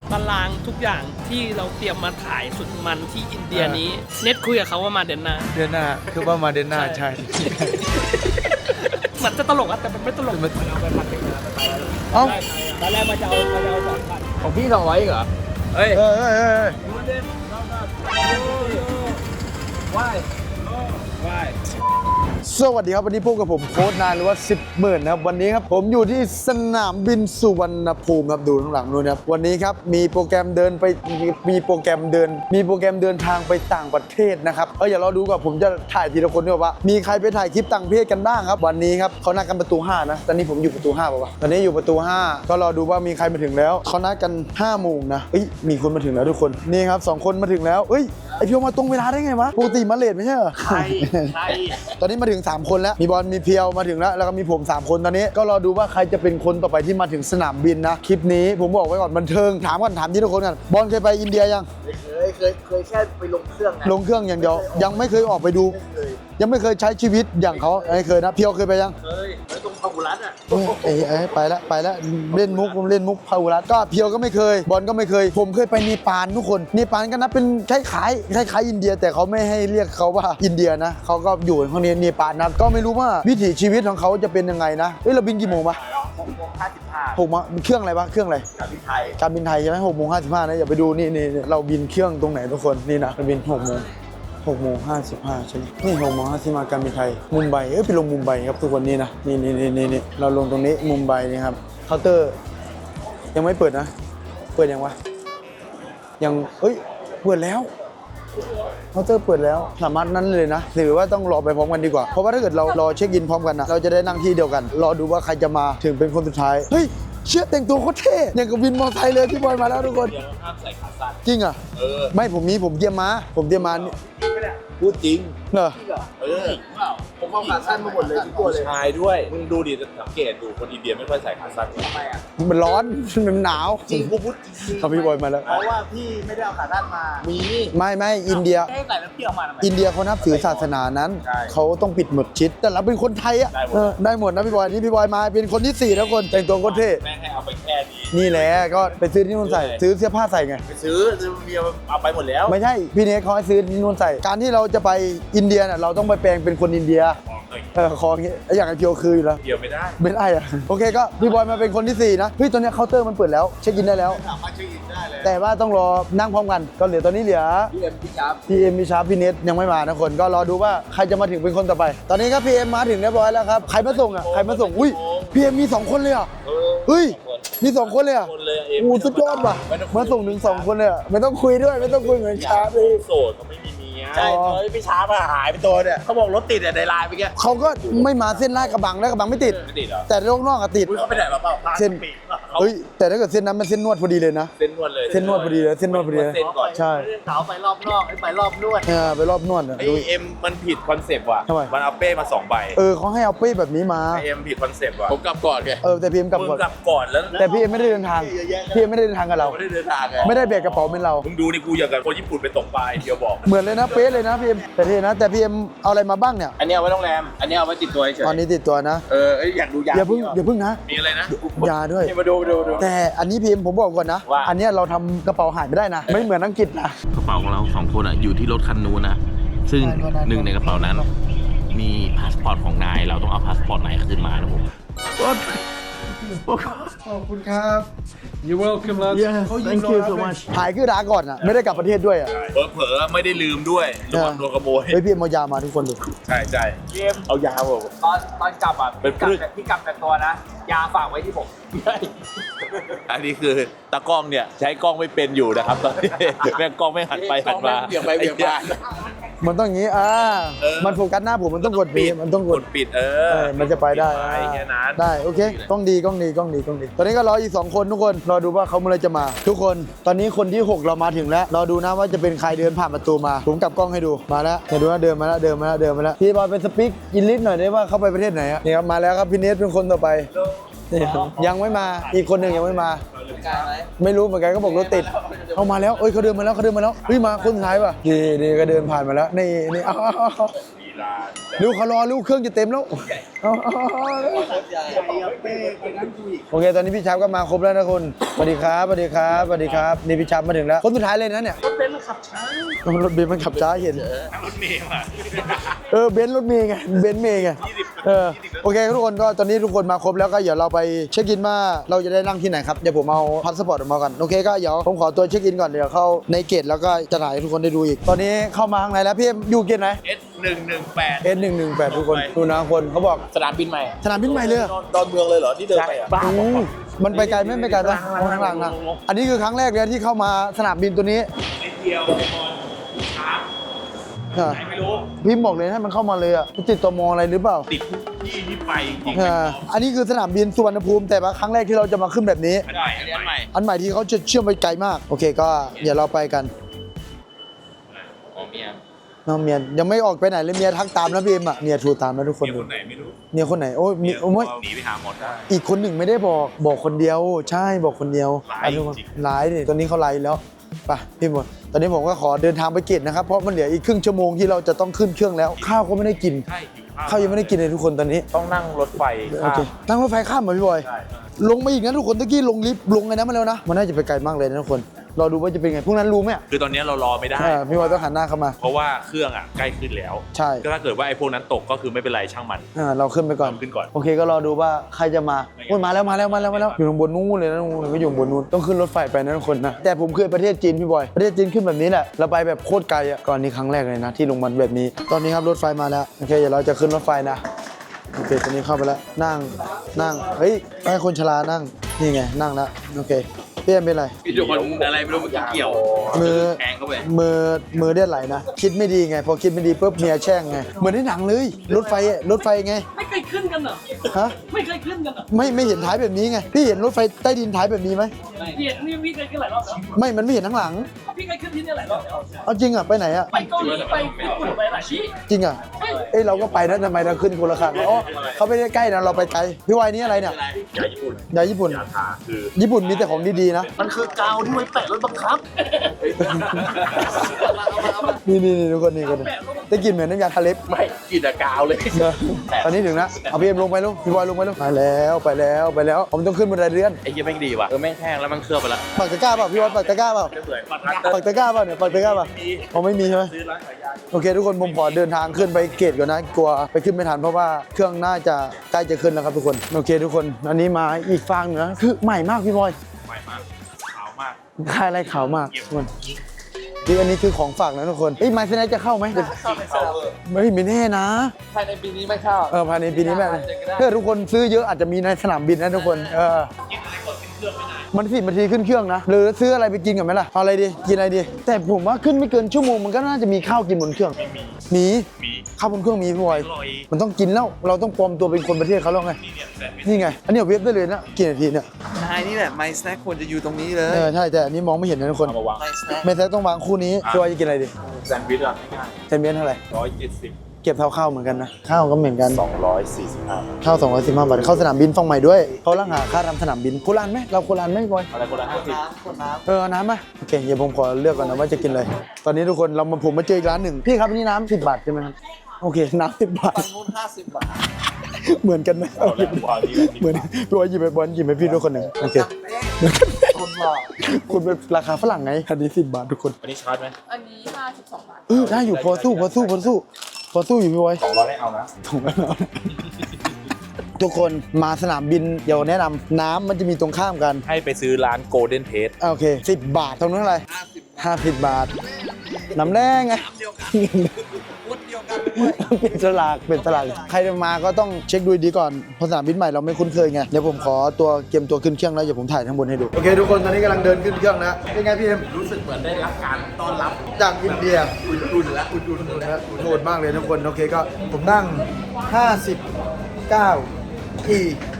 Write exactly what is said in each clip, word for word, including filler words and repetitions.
ตารางทุกอย่างที่เราเตรียมมาถ่ายสุดมันที่อินเดียนี้เน็ตคุยกับเขาว่ามาเดือนหน้าเดือนหน้าคือว่ามาเดือนหน้าใช่เหมือนจะตลกอะแต่มันไม่ตลกมันเอาไปพันหนึ่งนะไปแล้วเอ้าตอนแรกมันจะเอามันจะเอาสองพันของพี่สองร้อยเหรอเฮ้ยเฮ้ยเฮ้ยเฮ้ยว่ายว่ายสวัสดีครับวันนี้พบกับผมโค้ชนายหรือว่าสิบหมื่นนะครับวันนี้ครับผมอยู่ที่สนามบินสุวรรณภูมิครับดูข้างหลังนู้นครับวันนี้ครับมีโปรแกรมเดินไปมีโปรแกรมเดิน มีโปรแกรมเดินทางไปต่างประเทศนะครับเอออย่ารอดูก่อนผมจะถ่ายทีละคนด้วยว่ามีใครไปถ่ายคลิปต่างประเทศกันบ้างครับวันนี้ครับเขานัดกันประตูห้านะตอนนี้ผมอยู่ประตูห้าป่าวะตอนนี้อยู่ประตูห้าก็รอดูว่ามีใครมาถึงแล้วเขานัดกันห้าโมงนะเอ้ยมีคนมาถึงแล้วทุกคนนี่ครับสองคนมาถึงแล้วเอ้ยไอพี่มาตรงเวลาได้ไงวะปกติมาเลทไม่ใช่เหรอใช่ใช่ตอนนี้มาถึงสามคนแล้วมีบอลมีเพียวมาถึงแล้วแล้วก็มีผมสามคนตอนนี้ก็รอดูว่าใครจะเป็นคนต่อไปที่มาถึงสนามบินนะคลิปนี้ผมบอกไว้ก่อนบันเทิงถามก่อนถามที่ทุกคนกันบอลเคยไปอินเดียยังเคยเคยเคยแค่ไปลงเครื่องนะลงเครื่องอย่างเดียวยังไม่เคยออกไปดูยังไม่เคยใช้ชีวิตอย่างเขาไม่เคยนะเพียวเคยไปยังเคยไปตรงพาหุรัตอ่ะเอ้ยเอ้ยไปแล้วไปแล้วเล่นมุกผมเล่นมุกพาหุรัตก็เพียวก็ไม่เคยบอลก็ไม่เคยผมเคยไปเนปาลทุกคนเนปาลก็นับเป็นคล้ายๆคล้ายๆอินเดียแต่เขาไม่ให้เรียกเขาว่าอินเดียนะเขาก็อยู่ข้างในเนปาลนะก็ไม่รู้ว่าวิถีชีวิตของเขาจะเป็นยังไงนะเฮ้ยเราบินกี่โมงปะหกโมงห้าสิบห้าหกโมงเครื่องอะไรปะเครื่องอะไรการบินไทยการบินไทยใช่ไหมหกโมงห้าสิบห้านะอย่าไปดูนี่นี่เราบินเครื่องตรงไหนทุกคนนี่นะเราบินหกโมงหกโมงห้าสิบห้าใช่ไหมนี่หกโมงห้าสิบห้าการบินไทยมุมไบเอ้ยไปลงมุมไบครับทุกคนนี่นะนี่นี่นี่นี่เราลงตรงนี้มุมไบนี่ครับเคาน์เตอร์ยังไม่เปิดนะเปิดยังวะยังเอ้ยเปิดแล้วเคาน์เตอร์เปิดแล้วสามารถนั้นเลยนะหรือว่าต้องรอไปพร้อมกันดีกว่าเพราะว่าถ้าเกิดเรารอเช็คอินพร้อมกันนะเราจะได้นั่งที่เดียวกันรอดูว่าใครจะมาถึงเป็นคนสุดท้ายเฮ้ยเชื่อแต่งตัวโคตรเท่อย่างกับวินมอเตอร์ไซค์เลยพี่บอยมาแล้วทุกคนเดี๋ยวห้ามใส่ขาสั้นจริงอ่ะเออไม่ผมมีผมเตรียมมาผมเตรียมมาพูดจริงเหรอเออผมเอาขาสั้นมาหมดเลยทุกตัวเลยชายด้วยมึงดูดิสังเกตดูคนอินเดียไม่ค่อยใส่ขาสั้นทำไมอ่ะมันร้อนมันหนาวจริงกูพูดจริงเขาพี่บอยมาแล้วเพราะว่าพี่ไม่ได้เอาขาสั้นมามีไม่ไม่อินเดียให้ใส่แล้วพี่เอามาทำไมอินเดียเขานับถือศาสนานั้นเขาต้องปิดหมดชิดแต่เราเป็นคนไทยอ่ะได้หมดนะพี่บอยนี่พี่บอยมาเป็นคนที่สี่แล้วคนแต่งตัวโคตรเท่แม่ให้เอาไปแค่นี้นี่แหละก็ไปซื้อที่นู่นใส่ซื้อเสื้อผ้าใส่ไงไปซื้อมีเอาไปหมดแล้วไม่ใช่พี่เนสเขาให้ซื้อที่นู่นใส่การที่เราจะไปอินเดียน่ะเราต้องไปแปลงเป็นคนอินเดียเออคออย่างเงี้ยอย่างไอเพียวคืออยู่แล้วเดียวไม่ได้ไม่ได้อะโอเคก็พี่บอยมาเป็นคนที่สี่นะเฮ้ยตอนนี้เคาน์เตอร์มันเปิดแล้วเช็คอินได้แล้วสามารถเช็คอินได้เลยแต่ว่าต้องรอนั่งพร้อมกันก็เหลือตอนนี้เหลือพี่เอ็มพี่ชาร์ปพี่เอ็มพี่ชาร์ปพี่เนสยังไม่มานะคนก็รอดูว่าใครจะมาถึงเป็นคนต่อไปตอนนี้ครับพี่เอ็มมาถึงเรียบร้อยแล้วครับใครมาส่งอ่ะใครมาส่งอุ้ยพี่เอ็มมีสองคนเลยอ่ะเฮ้ยมีสองคนเลยอ่ะโอ้สุดยอดว่ะมาส่งถึงสองคนเลยอ่ะไม่ต้องคุยด้วยไม่ต้องคุยเหมือนชาร์ปเลยโสดเขาไม่มีเมียใช่เลยพี่ชาร์ปหายไปตัวเนี่ยเขาบอกรถติดในไลน์ไปแกเขาก็ไม่มาเส้นลาดกระบังแล้วกระบังไม่ติดไม่ติดหรอแต่โลกนอกอะติดเขาไปไหนมาเปล่าเส้นเฮ้ยแต่ถ้าเกิดเส้นนั้นมันเส้นนวดพอดีเลยนะเส้นนวดเลยเส้นนวดพอดีเลยเส้นนวดพอดีเลยใช่สาวไปรอบนอกไปรอบนวดเออไปรอบนวดไอเอ็มมันผิดคอนเซปต์ว่ะมันเอาเป้มาสองใบเออเขาให้เอาเป้แบบนี้มาไอเอ็มผิดคอนเซปต์ว่ะผมกลับก่อนไงเออแต่พี่เอ็มกลับก่อนกลับก่อนแล้วแต่พี่เอ็มไม่ได้เดินทางพี่เอ็มไม่ได้เดินทางกับเราไม่ได้เดินทางไงไม่ได้แบกกระเป๋าเป็นเรามึงดูนี่กูอย่างกับคนญี่ปุ่นไปตกปลาเดียวบอกเหมือนเลยนะเป๊ะเลยนะพี่เอ็มแต่พี่นะแต่พี่เอ็มเอาอะไรมาบ้างเนี่ยอันนี้เอาไว้โรงแรมอันนี้เอาไว้ติดตัวเฉยตอนนี้ติดตัวนะเอออยากดูยาอย่าเพิ่งอย่าเพิ่งนะมีอะไรนะยาด้วยมาดูดูดูแต่อันนี้พี่เอ็มผมบอกก่อนนะอันนี้เราทำกระเป๋าหายไม่ได้นะไม่เหมือนอังกฤษนะกระเป๋าของเราสองคนอ่ะอยู่ที่รถคันนู้นนะซึ่งหนึ่งในกระเป๋านั้นมีพาสปอร์ตของนายเราต้องเอาพาสปอร์ตนายขึ้นมานะผมขอบคุณครับ You're welcome lad Thank you so much หายคือดาก่อนอ่ะไม่ได้กลับประเทศด้วยอ่ะเผลอๆไม่ได้ลืมด้วยระวังโดนขโมยเฮ้ยพี่เอ็มเอายามาทุกคนดูใช่ใช่พี่เอ็มเอายาผมตอนตอนกลับอ่ะเป็นพี่กลับแต่ตัวนะยาฝากไว้ที่ผมอันนี้คือตากล้องเนี่ยใช้กล้องไม่เป็นอยู่นะครับตอนนี้แม่กล้องไม่หันไปหันมาเบี่ยงไปเบี่ยงมามันต้องอย่างนี้อ่ามันโฟกัสหน้าผมมันต้องกดปิดมันต้องกดปิดเออมันจะไปได้ได้โอเคกล้องดีกล้องดีกล้องดีกล้องดีตอนนี้ก็รออีกสองคนทุกคนรอดูว่าเขาเมื่อไรจะมาทุกคนตอนนี้คนที่หกเรามาถึงแล้วรอดูนะว่าจะเป็นใครเดินผ่านประตูมาผมกลับกล้องให้ดูมาแล้วเห็นดูนะเดินมาแล้วเดินมาแล้วเดินมาแล้วพี่บอยเป็นสปีกอินลิสหน่อยได้ว่าเขาไปประเทศไหนอ่ะนี่ครับมาแล้วครับพี่เนสเป็นคนต่อไปยังไม่มาอีกคนหนึ่งยังไม่มาไม่รู้เหมือนกันก็บอกรถติดเขามาแล้วเอ้ยเขาเดินมาแล้วเขาเดินมาแล้วเฮ้ยมาคนท้ายป่ะดีดีก็เดินผ่านมาแล้วนี่นี่เอาลูกเขารอลูกเครื่องจะเต็มแล้วเอาเอาเอาโอเคตอนนี้พี่ชับก็มาครบแล้วนะคุณสวัสดีครับสวัสดีครับสวัสดีครับนี่พี่ชับมาถึงแล้วคนสุดท้ายเลยนะเนี่ยรถเบนซ์มันขับช้ารถเบนซ์มันขับช้าเห็นรถเมล์อ่ะเออเบนซ์รถเมย์ไงเบนซ์เมย์ไงเออโอเคทุกคนก็ตอนนี้ทุกคนมาครบแล้วก็เดี๋ยวเราไปเช็คอินว่าเราจะได้นั่งที่ไหนครับเดี๋ยวผมเอาพาสปอร์ตออกมาก่อนโอเคก็เดี๋ยวผมขอตัวเช็คอินก่อนเดี๋ยวเข้าในเกตแล้วก็จะถ่ายให้ทุกคนได้ดูอีกตอนนี้เข้ามาข้างในแล้วพี่อยู่เกตไหนเอสหนึ่งหนึ่งแปดเอสหนึ่งหนึ่งแปดทุกคนดูนะคนเขาบอกสนามบินใหม่สนามบินใหม่เลยเหรอดอนเมืองเลยเหรอที่เดินไปอ่ะอืมมันไปไกลไหมไม่ไกลนะข้างหลังนะอันนี้คือครั้งแรกเลยที่เข้ามาสนามบินตัวนี้นิดเดียวบอลช้าอ่ะไม่รู้พิมพ์บอกเลยให้มันเข้ามาเลยอ่ะติดตมอะไรหรือเปล่าติดที่ที่ไปจริงอ่าอันนี้คือสนามบินสุวรรณภูมิแต่ว่าครั้งแรกที่เราจะมาขึ้นแบบนี้ๆได้อันนี้อันใหม่อันใหม่ที่เขาจะเชื่อมไปไกลมาก โอเคก็เดี๋ยวเราไปกันอ๋อเมียน้องเมียยังไม่ออกไปไหนเลยเมียทักตามนะพี่เอ็มอ่ะเมียโทรตามนะทุกคนเมียคนไหนไม่รู้เมียคนไหนโอ้ยมีโอ้ยหนีไปหาหมอได้อีกคนหนึ่งไม่ได้บอกบอกคนเดียว ใช่บอกคนเดียวร้ายอ่ะทุกคนจริงร้ายนี่ตอนนี้เขาไลน์แล้วไปพี่หมดตอนนี้ผมก็ขอเดินทางไปเกตนะครับเพราะมันเหลืออีกครึ่งชั่วโมงที่เราจะต้องขึ้นเครื่องแล้ว ข้าวก็ไม่ได้กินใช่หิวข้าวข้าวยังไม่ได้กินเลยทุกคนตอนนี้ต้องนั่งรถไฟโอเคนั่งรถไฟข้ามมาพี่บอยลงมาอีกนะทุกคนตะกี้ลงลิฟต์ลงไงนะมาแล้วนะมันน่าจะไปไกลมากเลยนะทุกคนรอดูว่าจะเป็นไงพวกนั้นรู้ไหมอ่ะคือตอนนี้เรารอไม่ได้เออพี่บอยต้องหันหน้าเข้ามาเพราะว่าเครื่องอ่ะใกล้ขึ้นแล้วใช่ก็ถ้าเกิดว่าไอ้พวกนั้นตกก็คือไม่เป็นไรช่างมันอ่าเราขึ้นไปก่อนเราขึ้นก่อนโอเคก็รอดูว่าใครจะมาโอ้ยมาแล้วมาแล้วมาแล้วมาแล้วอยู่ตรงบนนู้นเลยนะนู้นก็อยู่บนนู้นต้องขึ้นรถไฟไปนะทุกคนนะแต่ผมเคยประเทศจีนพี่บอยประเทศจีนขึ้นแบบนี้แหละเราไปแบบโคตรไกลอ่ะก่อนนี้ครั้งแรกเลยนะที่ลงมาแบบนี้ ตอนนี้ครับรถไฟมาแล้วโอเคเดี๋ยวเราจะขึ้นรถไฟนะโอเคตอนนี้เข้าไปแล้วนั่งนั่งเฮ้ยให้คนชรานั่งนี่ไงนั่งแล้วโอเคเปี้ยนเป็นไรพี่ทุกคนอะไรไม่รู้เมื่อกี้เกี่ยวมือแทงเข้าไปมือมือเลือดไหลนะคิดไม่ดีไงพอคิดไม่ดีปุ๊บเมียแช่งไงเหมือนในหนังเลยรถไฟอะรถไฟไงไม่เคยขึ้นกันเหรอฮะไม่เคยขึ้นกันเหรอไม่ไม่เห็นท้ายแบบนี้ไงพี่เห็นรถไฟใต้ดินท้ายแบบนี้ไหมพี่นี่พี่เคยขึ้นหลายรอบแล้วไม่มันไม่เห็นทั้งหลังพี่เคยขึ้นที่นี่หลายรอบแล้วเอาจริงอ่ะไปไหนอ่ะไปเกาหลีไปญี่ปุ่นไปหลายที่จริงอ่ะเอ้ยเราก็ไปนะทำไมเราขึ้นคนละคันอ๋อเขาไม่ได้ใกล้นะเราไปไกลพี่วายนี่อะไรเนี่ยยาญี่ปุ่นยาญี่ปุ่นยาทาคือญี่ปุ่นมีแต่ของดีๆนะมันคือกาวที่ไว้แปะรถบังคับนี่นี่นี่ทุกคนนี่คนได้กลินเหมือนน้ำยาทาเล็บไม่กินแต่กาวเลยตอนนี้ถึงนะเอาพี่เอ็มลงไปลูกพี่บอยลงไปลูกไปแล้วไปแล้วไปแล้วผมต้องขึ้นบันไดเลื่อนไอ้เหี้ยแม่งดีว่ะเออแม่งแห้งแล้วมันเคลือบไปแล้วปักตะกร้าเปล่าพี่บอยปักตะกร้าเปล่าจะเหมือนปัดรัตเตอร์ปักตะกร้าเปล่าเนี่ยปักตะกร้าเปล่าเขาไม่มีใช่ไหมซื้อร้านขายยาโอเคทุกคนผมขอเดินทางขึ้นไปเกตก่อนนะกลัวไปขึ้นไม่ทันเพราะว่าเครื่องน่าจะใกล้จะขึ้นแล้วครับทุกคนโอเคทุกคนอันนี้มาอีกฟางหนึงนะคือใหม่มากพี่บอยใหม่มากขาวมากค่ายไรขาวมากทุกคนนี่อันนี้คือของฝากนะทุกคนเอ้ยไมซ์เซนจะเข้าไหมเข้าในสนามไม่ไม่แน่นะภายในปีนี้ไม่เข้าเออภายในปีนี้แม่ถ้าทุกคนซื้อเยอะอาจจะมีในสนามบินนะทุกคนเออมันสิบนาทีขึ้นเครื่องนะหรือซื้ออะไรไปกินกันไหมล่ะเอาอะไรดีกินอะไรดีแต่ผมว่าขึ้นไม่เกินชั่วโมงมันก็น่าจะมีข้าวกินบนเครื่องมีมีข้าวบนเครื่องมีพี่บอยอร่อยมันต้องกินแล้วเราต้องปลอมตัวเป็นคนประเทศเขาแล้วไงนี่เนี่ยแซนด์วิชนี่ไงอันนี้เอาเว็บได้เลยนะกี่นาทีเนี่ยนายนี่แหละ My Snack ควรจะอยู่ตรงนี้เลยเออใช่แต่อันนี้มองไม่เห็นนะทุกคนเอามาวาง My Snack ไม่ใช่ต้องวางคู่นี้พี่บอยจะกินอะไรดีแซนด์วิชอ่ะง่ายเซนเบียนเท่าไหร่ๆร้อยเจ็ดสิบเก็บเท่าข้าวเหมือนกันนะข้าวก็เหมือนกันสองร้อยสี่สิบห้าข้าวสองร้อยสิบห้าบาทเข้าสนามบินฟังใหม่ด้วยเขาล่างหาค่าทำสนามบินโคราณไหมเราโคราณไหมพี่บอยอะไรคนละห้าสิบคนน้เออเอาน้ำไหมโอเคเดี๋ยวผมขอเลือกก่อนนะว่าจะกินอะไรตอนนี้ทุกคนเรามาผมมาเจออีกร้านหนึ่งพี่ครับอันนี้น้ำสิบบาทใช่ไหมครับโอเคน้ำสิบบาทำฝั่งนู้นห้าสิบบาทเหมือนกันไหมเอาแล้ววางนี่เหมือนพี่บอยหยิบไปบอลหยิบไปพี่ด้วยคนหนึ่งโอเคคนหล่อคุณเป็นราคาฝรั่งไงอันนี้สิบบาททุกคนอันนี้ชาร์จไหมอันนี้ห้าสิบสองบาทเออได้อยู่พอสู้พอสู้พอสู้พอสู้อยู่พี่บอยสองร้อยได้เอานะถูกแล้วนะทุกคนมาสนามบินเดี๋ยวแนะนำน้ำมันจะมีตรงข้ามกันให้ไปซื้อร้าน Golden Taste อ่ะโอเคสิบบาทเท่านั้นเท่าไหร่ห้าสิบบาทน้ำแรงไงเปลี่ยนสลากเปลี่ยนสลากใครจะมาก็ต้องเช็คดูดีก่อนเพราะสนามบินใหม่เราไม่คุ้นเคยไงเดี๋ยวผมขอตัวเกมตัวขึ้นเครื่องแล้วเดี๋ยวผมถ่ายทั้งบนให้ดูโอเคทุกคนตอนนี้กำลังเดินขึ้นเครื่องนะเป็นไงพี่เอ็มรู้สึกเหมือนได้รับการต้อนรับจากอินเดียอุ่นๆแล้วอุ่นนะโหดมากเลยทุกคนโอเคก็ผมนั่งห้าสิบเก้าอี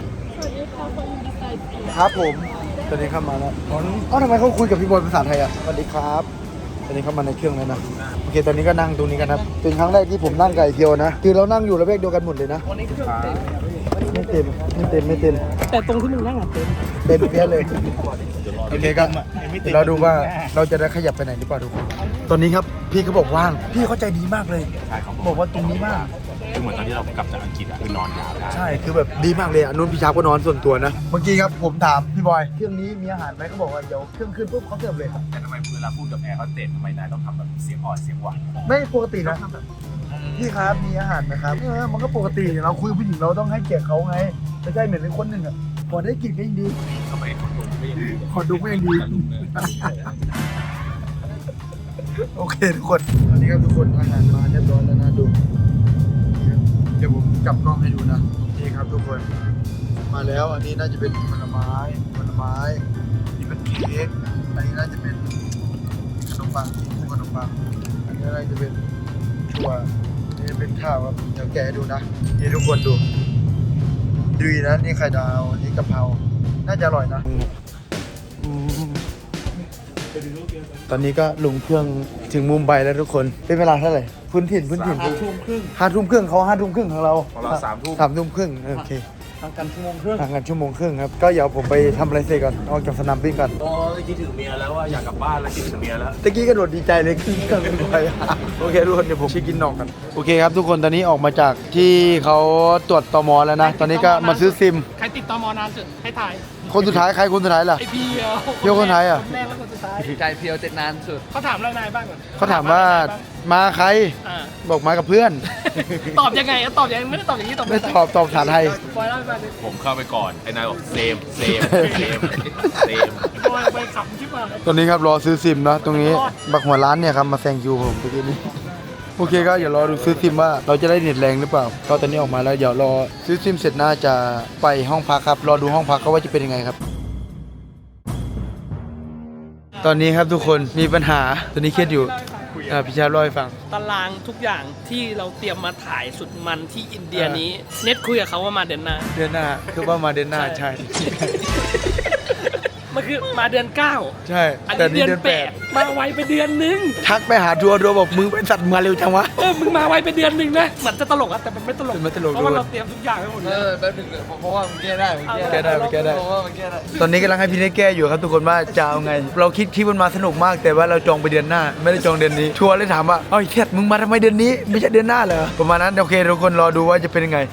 ครับผมตอนนี้เข้ามาแล้วอ๋อเอ้าทำไมเขาคุยกับพี่บอยภาษาไทยอ่ะสวัสดีครับตอนนี้เข้ามาในเครื่องแล้วนะโอเคตอนนี้ก็นั่งตรงนี้กันครับเป็นครั้งแรกที่ผมนั่งไก่เทียวนะคือเรานั่งอยู่ระเบียงเดียวกันหมดเลยนะไม่เต็มไม่เต็มไม่เต็มแต่ตรงที่มึงนั่งอ่ะเต็มเต็มเพี้ยเลยโอเคก็เราดูว่าเราจะได้ขยับไปไหนหรือเปล่าทุกคนตอนนี้ครับพี่เขาบอกว่างพี่เขาใจดีมากเลยใช่เขาบอกว่าตรงนี้มากคือเหมือนตอนที่เรากลับจากอังกฤษอะคือนอนยาวได้ใช่คือแบบดีมากเลยอ่ะนุ่นพี่ชาก็นอนส่วนตัวนะเมื่อกี้ครับผมถามพี่บอยเครื่องนี้มีอาหารไหมเขาบอกว่าเดี๋ยวเครื่องขึ้นปุ๊บเขาเสิร์ฟเลยครับแต่ทำไมเวลาพูดกับแอร์เขาเต็ทำไมนายต้องทำแบบเสียงอ่อนเสียงหวานไม่ปกตินะพี่ครับมีอาหารไหมครับเออมันก็ปกติเราคุยกับผู้หญิงเราต้องให้เกียรติเขาไงไม่ใช่เหมือนเป็นคนหนึ่งอ่ะพอได้กินก็ยิ่งดีทำไมคนดูไม่ยังดีขอดูก็ยังดีโอเคทุกคนตอนนี้ครับทุกคนอาหารมาเรียบร้อยแล้วนะดูเดี๋ยวผมจับกล้องให้ดูนะนี่ครับทุกคนมาแล้วอันนี้น่าจะเป็นผลไม้ผลไม้นี่เป็นเค้กอันนี้น่าจะเป็นขนมปังนี่ขนมปังอันนี้น่าจะเป็นถั่วนี่เป็นข้าวครับเดี๋ยวแกะให้ดูนะนี่ทุกคนดูดูนะนี่ไข่ดาวนี่กะเพราน่าจะอร่อยนะตอนนี้ก็ลงเครื่องถึงมุมไบแล้วทุกคนเป็นเวลาเท่าไหร่พื้นถิ่นพื้นถิ่นห้าทุ่มครึ่งห้าทุ่มครึ่งเขาห้าทุ่มครึ่งของเราของเราสามทุ่มสามทุ่มครึ่งโอเคทางกันชั่วโมงครึ่งห่างกันชั่วโมงครึ่งครับก็เดี๋ยวผมไปทำอะไรเสร็จก่อนออกจากสนามบินก่อนโอ้ยคิดถึงเมียแล้วว่าอยากกลับบ้านแล้วคิดถึงเมียแล้วตะกี้กระโดดดีใจเลยขึ้นเครื่องบินไปโอเคทุกคนเดี๋ยวผมไปกินนอกกันโอเคครับทุกคนตอนนี้ออกมาจากที่เขาตรวจตมแล้วนะตอนนี้ก็มาซื้อซิมใครติดตมนานสุดให้ถ่ายคนสุดท้ายใครคนสุดท้ายล่ะไอเพียวเพียวคนไทยอะคนแรกแล้วคนสุดท้ายใจเพียวเจ็ดนานสุดเขาถามแล้วนายบ้างก่อนเขาถามว่ามาใครอ่าบอกมากับเพื่อนตอบยังไงอะตอบยังไงไม่ได้ตอบอย่างนี้ตอบไม่ตอบตอบภาษาไทยปล่อยเล่าไปเลยผมเข้าไปก่อนไอ้นายบอกเซมเซมเซมเซมปล่อยไปขำชิบหายตอนนี้ครับรอซื้อซิมเนาะตรงนี้บักหัวร้านเนี่ยครับมาแซงคิวผมเมื่อกี้นี้โอเคก็เดี๋ยวรอดูซื้อซิมว่าเราจะได้เน็ตแรงหรือเปล่าก็ตอนนี้ออกมาแล้วเดี๋ยวรอซื้อซิมเสร็จน่าจะไปห้องพักครับรอดูห้องพักเขาว่าจะเป็นยังไงครับ ตอนนี้ครับทุกคนมีปัญหาตอนนี้เครียดอยู่อ่าพี่ชาติเล่าให้ฟังตารางทุกอย่างที่เราเตรียมมาถ่ายสุดมันที่อินเดียนี้ เน็ตคุยกับเขาว่ามาเดือนหน้าเดือนหน้าคือว่ามาเดือนหน้าใช่มันคือมาเดือนเก้าใช่อันแต่นี้นี่เดือนเดือนแปแปดดมาไวไปเดือนนึงทักไปหาทัวร์ทัวร์บอกมึงเป็นสัตว์มาเร็วจังวะเออมึงมาไวไปเดือนหนึ่งนะเหมือนจะตลกอะแต่มันไม่ตลกมันไม่ตลกเพราะว่าด้วยเราเตรียมทุกอย่างไว้หมดเลเอย อแป๊บนึงเพราะว่ามันแก้ได้มันแก้ได้แก้ได้เพราะว่ามันแก้ได้ตอนนี้กำลังให้พี่เนทแก้อยู่ครับทุกคนว่าจะเอาไง เราคิดคลิปมันมาสนุกมากแต่ว่าเราจองไปเดือนหน้า ไม่ได้จองเดือนนี้ทัวร์เลยถามว่าเอ้ยเทียดมึงมาทำไมเดือนนี้ไม่ใช่เดือนหน้าเหรอประมาณนั้นโอเคทุกคนรอดูว่าจะเป็นยังไง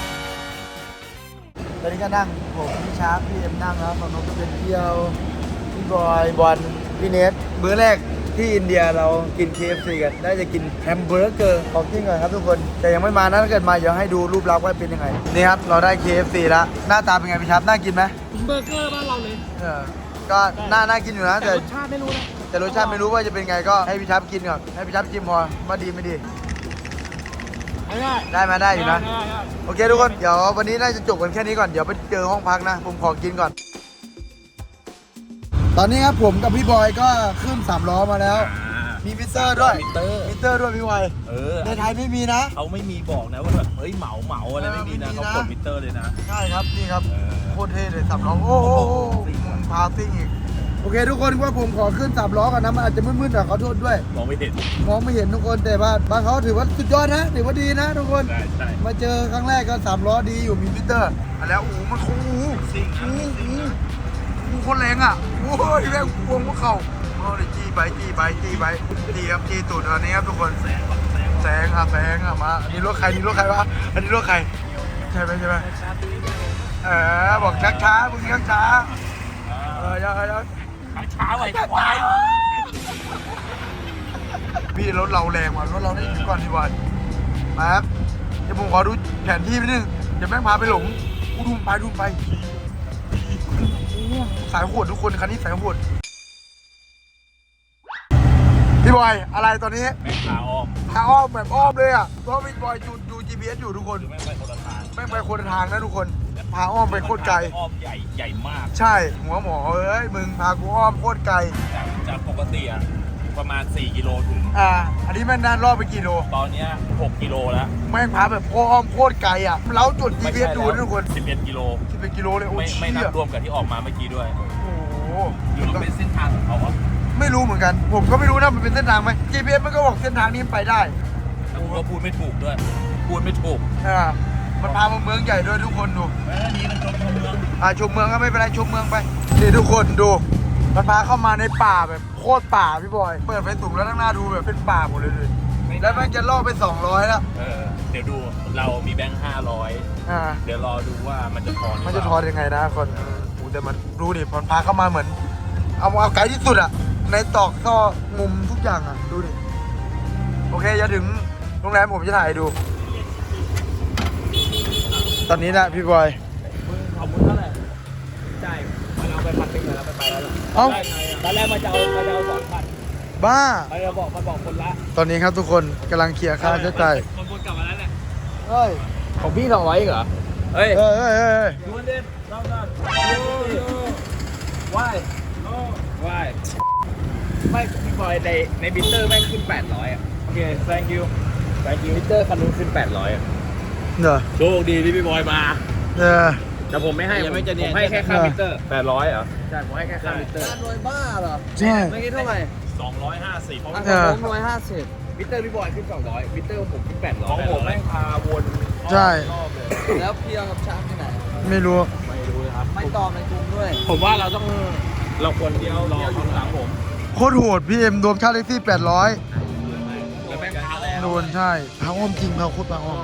ตอนนี้ก็นั่งผมพี่ชาร์ปพี่เอ็มนั่งแล้วฝั่งโน้นก็เป็นเที่ยวพี่บอยบอลพี่เนทมื้อแรกที่อินเดียเรากิน เค เอฟ ซี กันได้จะกินแฮมเบอร์เกอร์ของจริงก่อนครับทุกคนแต่ยังไม่มานะถ้าเกิดมาเดี๋ยวให้ดูรูปลักษณ์ว่าเป็นยังไงนี่ครับเราได้ เค เอฟ ซี แล้วหน้าตาเป็นไงพี่ชาร์ปน่ากินไหมเบอร์เกอร์บ้านเราเลยเออก็น่าน่ากินอยู่นะแต่แต่รสชาติไม่รู้นะแต่รสชาติไม่รู้ว่าจะเป็นไงก็ให้พี่ชับกินก่อนให้พี่ชับชิมพอว่าดีไม่ดีไม่ได้ได้มาได้อยู่นะได้ได้โอเคทุกคนเดี๋ยววันนี้น่าจะจบกันแค่นี้ก่อนเดี๋ยวไปเจอห้องพักนะผมขอกินก่อน ตอนนี้ครับผมกับพี่บอยก็ขึ้นสามล้อมาแล้ว มีมิเตอร์ด้วยมิเตอร์มิเตอร์ด้วยพี่บอยเออในไทยไม่มีนะเขาไม่มีบอกนะว่าแบบเฮ้ยเหมาเหมาอะไรไม่มีนะเออไม่มีนะเขากดมิเตอร์เลยนะใช่ครับนี่ครับเออโคตรเท่เลยสามล้อโอ้โหพาซิ่งอีกโอเคทุกคนว่าผมขอขึ้นสามล้อก่อนนะมันอาจจะมืดๆหน่อยขอโทษด้วยมองไม่เห็นมองไม่เห็นทุกคนแต่ว่าบางเขาถือว่าสุดยอดนะถือว่าดีนะทุกคนใช่ใช่มาเจอครั้งแรกก็สามล้อดีอยู่มีมิเตอร์อ่ะแล้วโอ้โหมันโอ้โหซิ่งโอ้โหโอ้โหโคนแรงอ่ะโอ้ยแม่งพวงพวกเข่าโอ้ยจี้ไปจี้ไปจี้ไปจี้ครับจี้ตูดอันนี้ครับทุกคนแสงแสงอ่ะแสงอ่ะมาอันนี้รถใครนี่รถใครวะอันนี้รถใครใช่ไหมใช่ไหมเออบอกช้าช้ามึงช้าช้าเออยังยังช้าไว้ควายพี่รถเราแรงว่ะรถเราได้อยู่ก่อนดีกว่ามาครับเดี๋ยวผมขอดูแผนที่ไปนึงเดี๋ยวแม่งพาไปหลงกูดูไปดูไปโอ้สายโหดทุกคนคันนี้สายโหดพี่บอยอะไรตอนนี้แม่งขาออกทางอ้อมแบบอ้อมเลยอ่ะเพราะพี่บอยดูดู จี พี เอส อยู่ทุกคนแม่งไปคนละทางแม่งไปคนละทางนะทุกคนพาอ้อมไปโคตรไกลอ้อมใหญ่ใหญ่มากใช่หัวหมอเอ้ยมึงพากูอ้อมโคตรไกลจากจากปกติอะประมาณสี่กิโลถึงอ่าอันนี้แม่งนานรอบไปกี่โลตอนเนี้ยหกกิโลแล้วแม่งพาแบบอ้อมโคตรไกลอ่ะเราจุด จี พี เอส ดูนะทุกคนสิบเอ็ดกิโลสิบเป็นกิโลเลยโอ้ไม่ยไม่นัเชี่ยบรวมกับที่ออกมาเมื่อกี้ด้วยโอ้โหหรือมันเป็นเส้นทางของเขาอะไม่รู้เหมือนกัน ผมก็ไม่รู้นะมันเป็นเส้นทางไหม จี พี เอส มันก็บอกเส้นทางนี้ไปได้แล้วกูก็พูดไม่ถูกด้วย พูดไม่ถูกอ่ามันพามาเมืองใหญ่ด้วยทุกคนดูแม่นี่มันจมชมเมืองอ่าชมเมืองก็ไม่เป็นไรชมเมืองไปนี่ทุกคนดูมันพาเข้ามาในป่าแบบโคตรป่าพี่บอยเปิดไฟสูงแล้วข้างหน้าดูแบบเป็นป่าหมดเลยเลยแล้วมันจะล่อไปสองร้อยแล้วเออ เดี๋ยวดูเรามีแบงค์ห้าร้อยอ่าเดี๋ยวรอดูว่ามันจะทอนหรือมันเปจะล่าทอนยังไงนะคนเออโอ้แต่มันดูดิมันพาเข้ามาเหมือน เอาเอาไกลที่สุดอะในตอกซอกมุมทุกอย่างอะดูดิโอเคจะถึงโรงแรมผมจะถ่ายให้ดู ตอนนี้นะพี่บอยเอามุนเท่าไหร่จ่ายมันเอาไปพันหนึ่งแล้วไปไปแล้วเอ้าตอนแรกมาจะเอามาจะเอาสองพันบ้ามันจะบอกมันบอกคนละตอนนี้ครับทุกคนกำลังเคลียร์ค่าใช้จ่ายมันวนกลับมาแล้วแหละเฮ้ยของพี่สองร้อยเหรอเฮ้ยเฮ้ยเฮ้ยเฮ้ยเฮ้ยดูมันดิรอบนั้นว่ายว่ายไม่พี่บอยในในบิตเตอร์แม่งขึ้นแปดร้อยอ่ะโอเค thank you thank you บิตเตอร์คันนู้นขึ้นแปดร้อยอ่ะเนอะโชคดีที่พี่บอยมาเออแต่ผมไม่ให้ยังไม่ผมจะเนียนผมให้แค่ค่าเออบิตเตอร์แปดร้อยเหรอใช่ผมให้แค่ค่าบิตเตอร์ใช่ไม่คิดเท่าไหร่สองร้อยห้าสิบอ่ะเออผมร้อยห้าสิบบิตเตอร์พี่บอยขึ้นสองร้อยบิตเตอร์ผมขึ้นแปดร้อยของผมแม่งพาวนใช่รอบเลยแล้วเพียงกับช้างที่ไหนไม่รู้ไม่รู้เลยครับไม่ตอบในกลุ่มด้วย ผมว่าเราต้องเราควรเดียวรอข้างหลังผมโคตรโหดพี่เอ็มรวมค่าแท็กซี่แปดร้อยแล้วแม่งพาแล้วโดนใช่พาอ้อมจริงพาโคตรพาอ้อม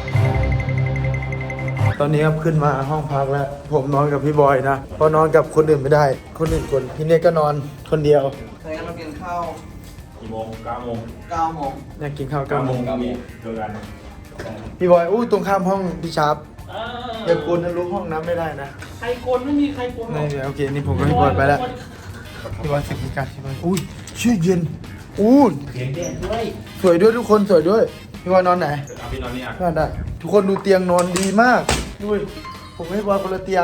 ตอนนี้ครับขึ้นมาห้องพักแล้ว ผมนอนกับพี่บอยนะเพราะนอนกับคนอื่นไม่ได้ คนอื่นคนพี่เนยก็นอนคนเดียวเคยเรากินข้าวกี่โมงเก้าโมงเก้าโมงอยากกินข้าวเก้าโมงเก้าโมงเจอกันพี่บอยอู้ตรงข้ามห้องพี่ชาร์ปอย่ากวนทะลุห้องน้ำไม่ได้นะใครโกนไม่มีใครโกนหรอกนี่โอเคนี่ผมกับพี่บอยไปแล้วพี่บอยสิบนาฬิกาพี่บอยอุ้ยชื่อเย็นอู้สวยด้วยทุกคนสวยด้วยพี่บอยนอนไหนเอาพี่นอนนี่อ่ะนอนได้ทุกคนดูเตียงนอนดีมากดูดิผมให้บอยคนละเตียง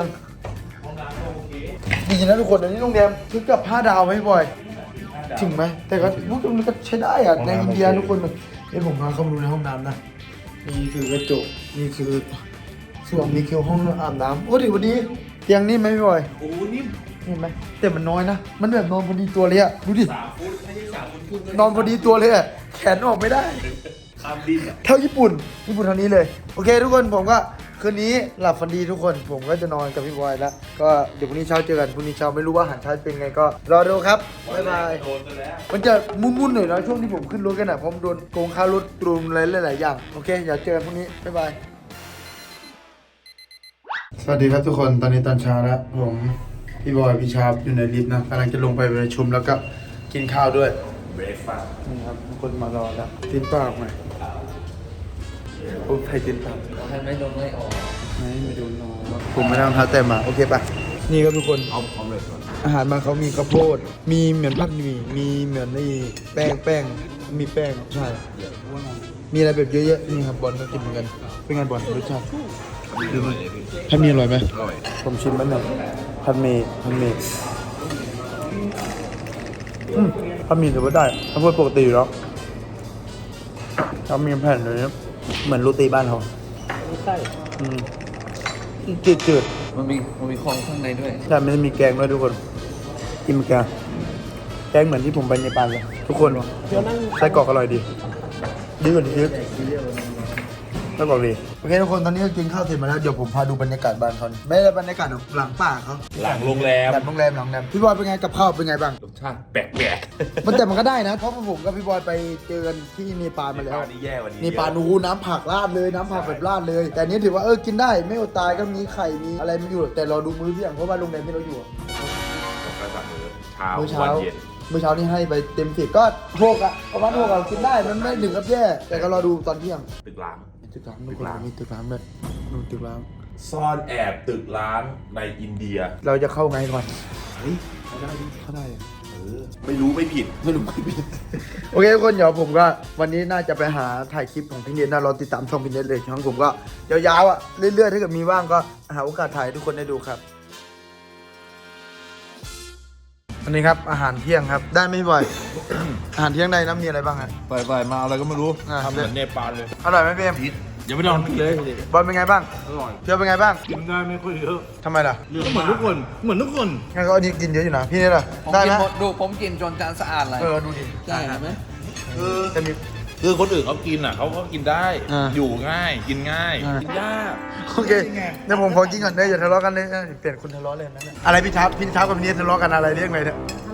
ดีนะทุกคนอันนี้โรงแรมถึงกับห้าดาวไหมพี่บอยถึงไหมแต่ก็พวกมันก็ใช้ได้อะในอินเดียทุกคนเดี๋ยวผมพาเข้ามาดูในห้องน้ำนะนี่คือกระจกนี่คือส่วนนี้คือห้องอาบน้ำโอ้ดิวันนี้เตียงนิ่มไหมพี่บอยโอ้นิ่มเห็นไหมแต่มันน้อยนะ มันแบบนอนพอดีตัวเลยอะดูดินอนพอดีตัวเลยอะแขนออกไม่ได้ข้ามดินอ่ะเท่าญี่ปุ่น ญี่ปุ่นเท่านี้เลย โอเค ทุกคนผมก็คืนนี้หลับฝันดีทุกคนผมก็จะนอนกับพี่บอยแล้ว ก็เดี๋ยวพรุ่งนี้เช้าเจอกันพรุ่งนี้เช้าไม่รู้ว่าอาหารเช้าเป็นไงก็รอดูครับบ๊ายบายโดนไปแล้วมันจะมุ่นๆหน่อยนะช่วงที่ผมขึ้นรถกันนะเพราะมันโดนโกงค่ารถตรุมอะไรหลายๆอย่างโอเคอย่าเจอกันพรุ่งนี้บ๊ายบายสวัสดีครับทุกคนตอนนี้ตอนเช้าแล้วผมพี่บอยพี่ชาร์ปอยู่ในลิฟต์นะกำลังจะลงไปประชุมแล้วก็กินข้าวด้วยเบรกฟาสต์นี่ครับทุกคนมารอแล้วตีนเปล่าไหมโอ้ใครตีนเปล่าใครไม่โดนไล่ออกไม่ไม่โดนรอผมไม่ได้รองเท้าแตะมาโอเคปะนี่ครับทุกคนเอาเอาเลยก่อนอาหารมันเขามีข้าวโพดมีเหมือนผัดหมี่มีเหมือนนี่แป้งแป้งมีแป้งใช่มีอะไรแบบเยอะแยะนี่ครับบอลก็กินเหมือนกันเป็นไงบอลรสชาติผัดหมี่อร่อยไหมอร่อยผมชิมมันหน่อยผัดหมี่ผัดหมี่อืมผัดหมี่ถือว่าได้ข้าวโพดปกติอยู่แล้วเขามีแผ่นเลยนะเหมือนโรตีบ้านเขาใช่อืมจืดจืดมันมีมันมีของข้างในด้วยใช่ไม่ได้มีแกงด้วยทุกคนกินแกงแกงเหมือนที่ผมไปในปานเลยทุกคนไส้กรอกอร่อยดีดีกว่านี้เยอะไส้กรอกดีโอเคทุกคนตอนนี้ก็กินข้าวเสร็จมาแล้วเดี๋ยวผมพาดูบรรยากาศบ้านเขาไม่ได้บรรยากาศหลังป่าเขาหลังโรงแรมแบบโรงแรมหลังโรงแรมพี่บอยเป็นไงกับข้าวเป็นไงบ้างรสชาติแปลกมันแต่มันก็ได้นะเพราะผมกับพี่บอยไปเจอกันที่เนปาลๆมาแล้วปลานี่แย่กว่านี้เนปาลนูน้ำผักราดเลยน้ำผักแบบราดเลย แต่อันนี้ถือว่าเออกินได้ไม่อดตายก็มีไข่มีอะไรมันอยู่ แต่รอดูมื้อเที่ยงเพราะว่าโรงแรมที่เราอยู่อะกระสับมื้อเช้ามื้อเช้าวันเย็นมื้อเช้านี่ให้ไปเต็มสิบก็หกอะประมาณหกอะกินได้มันไม่ถึงกับแย่แต่ก็รอดูตอนเที่ยงตึกล้างมีตึกร้างทุกคนมีตึกร้างด้วยดูตึกร้างซ่อนแอบตึกล้างในอินเดียเราจะเข้าไงก่อนเฮ้ยเขาได้ดิเขาได้อะเออไม่รู้ไม่ผิดไม่รู้ไม่ผิดโอเคทุกคนเดี๋ยวผมก็วันนี้น่าจะไปหาถ่ายคลิปของพี่เนทนะรอติดตามช่องพี่เนทเลยช่องผมก็ยาวๆอะเรื่อยๆถ้าเกิดมีว่างก็หาโอกาสถ่ายให้ทุกคนได้ดูครับอันนี้ครับอาหารเที่ยงครับได้ไหมพี่บอย อาหารเที่ยงได้นะมีอะไรบ้างฮะไปไปมาอะไรก็ไม่รู้อ่ะทำเหมือนเนปาลเลยอร่อยไหมพี่เอ็มอย่าไปลองเลยบอลเป็นไงบ้างอร่อยเที่ยวเป็นไงบ้างกินได้ไม่ค่อยเยอะทำไมล่ะก็เหมือนทุกคน เหมือนทุกคนงั้นก็อันนี้กินเยอะอยู่นะพี่เนี่ยล่ะผมได้กินนะหมดดูผมกินจนจานสะอาดเลยเออดูดิใช่ไหมจะมีคือคนอื่นเขากินอ่ะเขาก็กินได้อ่าอยู่ง่าย กินง่ายอ่ากินยากโอเคเดี๋ยวผมขอกินก่อนเด้ออย่าทะเลาะกันเลยเออเปลี่ยนคนทะเลาะเลยนั่นแหละอะไรพี่ชับพี่ชับกับพี่เนททะเลาะกันอะไรเรื่องอะไรเนี่ย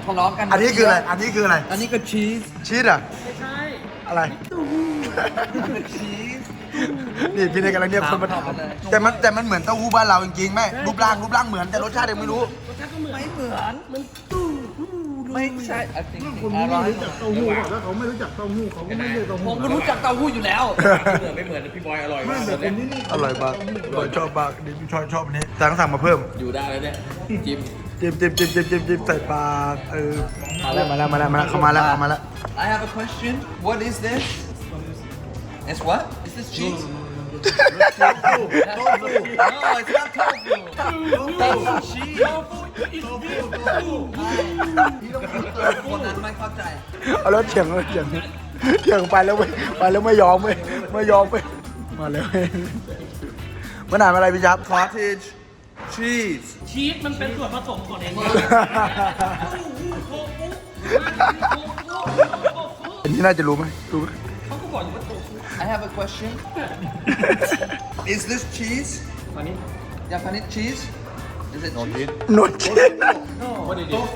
ทะเลาะกันอันนี้คืออะไร อันนี้คืออะไรอันนี้ก็ชีสชีสอ่ะไม่ใช่อะไรชีสนี่พี่เนยกำลังเรียกคนมาถามทำอะไรแต่มันแต่มันเหมือนเต้าหู้บ้านเราจริงๆแม่รูปร่างรูปร่างเหมือนแต่รสชาติยังไม่รู้รสชาติก็เหมือนไม่เหมือนมันตู้ไม่ใช่ I think อร่อยเต้าหู้ถ้าเขาไม่รู้จักเต้าหู้เขาก็ไม่เรียกเต้าผหู้มก็รู้จักเต้าหู้อยู่แล้วเหมือนไม่เหมือนพี่บอยอร่อยมากเลยอร่อยมากอร่อยชอบมากนี่ชอบชอบอันนี้สั่งสั่งมาเพิ่มอยู่ได้แล้วเนี่ยจิ้มจิ้มจิ้มจิ้มจิ้มจิ้มจิ้มใส่ปากเออมาแล้วมาแล้วมาแล้วมาแล้วเข้ามาแล้วเข้ามาแล้ว I have a question what is this It's what is this cheese tofu no it's not tofu tofu cheese คนนั้นไม่เข้าใจเอาแล้วเถียงแล้วเถียงเถียงไปแล้วเว้ยไปแล้วไม่ยอมเว้ยไม่ยอมเว้ยมาเลยเว้ยมันอ่านอะไรพี่จับ cottage cheese ชีสมันเป็นส่วนผสมของเองอันนี้น่าจะรู้ไหมรู้ไหมเขาก็บอกอยู่ว่าโตฟู I have a question is this cheese อันนี้ยาพานิช cheese is it cheese หนวดเชนโตฟู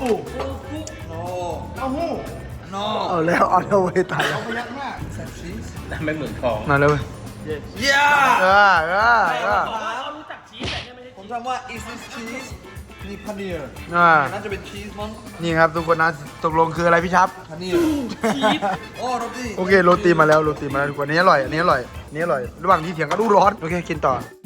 no เอาแล้วเอาแล้วเว้ยตายแล้ว is that cheese ไม่เหมือนทองมาแล้วเว้ย yeah เออเออเออเขารู้จักชีสแต่เนี่ยไม่ใช่ผมถามว่า is this cheese นี่พานีร์อ่าน่าจะเป็นชีสมั้งนี่ครับทุกคนนะตกลงคืออะไรพี่ชับพานีร์ชีสโอ้โรตีโอเคโรตีมาแล้วโรตีมาแล้วทุกคนอันนี้อร่อยอันนี้อร่อยอันนี้อร่อยระหว่างที่เถียงก็ดูร้อนโอเคกินต่อ